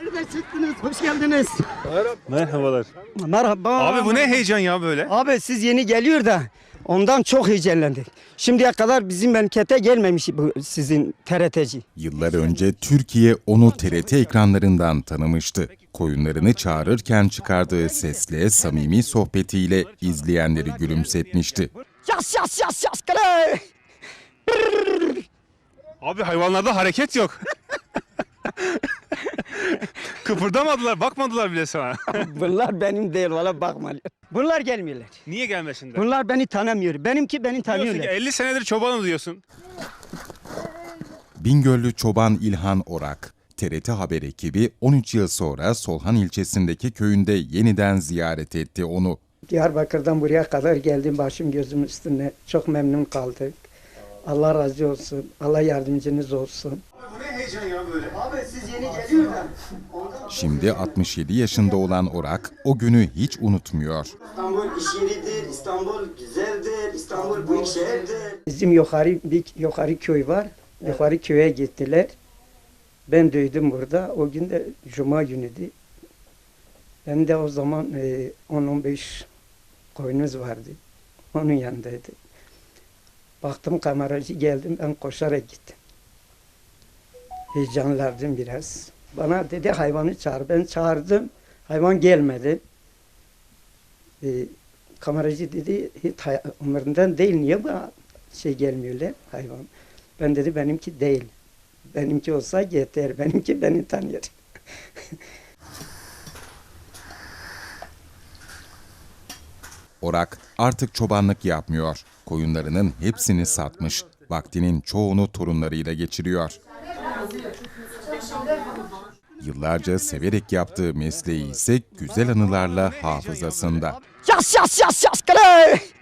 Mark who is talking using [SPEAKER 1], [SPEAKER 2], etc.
[SPEAKER 1] Nereden çıktınız? Hoş geldiniz.
[SPEAKER 2] Merhabalar.
[SPEAKER 1] Merhaba.
[SPEAKER 2] Abi bu ne heyecan ya böyle?
[SPEAKER 1] Abi siz yeni geliyor da ondan çok heyecanlandık. Şimdiye kadar bizim memlekete gelmemiş bu sizin TRT'ci.
[SPEAKER 3] Yıllar önce Türkiye onu TRT ekranlarından tanımıştı. Koyunlarını çağırırken çıkardığı sesle, samimi sohbetiyle izleyenleri gülümsetmişti.
[SPEAKER 1] Yas yas yas yas kale.
[SPEAKER 2] Abi hayvanlarda hareket yok. Kıpırdamadılar, bakmadılar bile sana.
[SPEAKER 1] Bunlar benim değil valla bakma. Bunlar gelmiyorlar.
[SPEAKER 2] Niye gelmesinler?
[SPEAKER 1] Bunlar beni tanımıyor. Benimki beni
[SPEAKER 2] Diyorsun ki
[SPEAKER 1] tanıyorlar.
[SPEAKER 2] 50 senedir çobanım diyorsun.
[SPEAKER 3] Bingöllü çoban İlhan Orak, TRT Haber ekibi 13 yıl sonra Solhan ilçesindeki köyünde yeniden ziyaret etti onu.
[SPEAKER 1] Diyarbakır'dan buraya kadar geldim başım gözüm üstüne. Çok memnun kaldık. Allah razı olsun. Allah yardımcınız olsun.
[SPEAKER 2] Bu ne heyecan ya böyle?
[SPEAKER 1] Abi siz yeni geliyor da.
[SPEAKER 3] Şimdi 67 yaşında olan Orak o günü hiç unutmuyor.
[SPEAKER 4] İstanbul iş yeridir, İstanbul güzeldir, İstanbul büyük şehirdir.
[SPEAKER 1] Bizim yukarı köy var. Yukarı köye gittiler. Ben duydum burada. O gün de Cuma günüydü. Ben de o zaman 10-15 koyunuz vardı. Onun yanındaydı. Baktım kameracı geldim. Ben koşarak gittim. Heyecanlandım biraz. Bana dedi hayvanı çağır. Ben çağırdım. Hayvan gelmedi. Kameracı dedi hiç umurundan değil. Niye bu gelmiyorlar hayvan? Ben dedi benimki değil. Benimki olsa yeter. Benimki beni tanıyor.
[SPEAKER 3] Orak artık çobanlık yapmıyor. Koyunlarının hepsini satmış. Vaktinin çoğunu torunlarıyla geçiriyor. Yıllarca severek yaptığı mesleği ise güzel anılarla hafızasında.
[SPEAKER 1] Yas yas yas yas kale.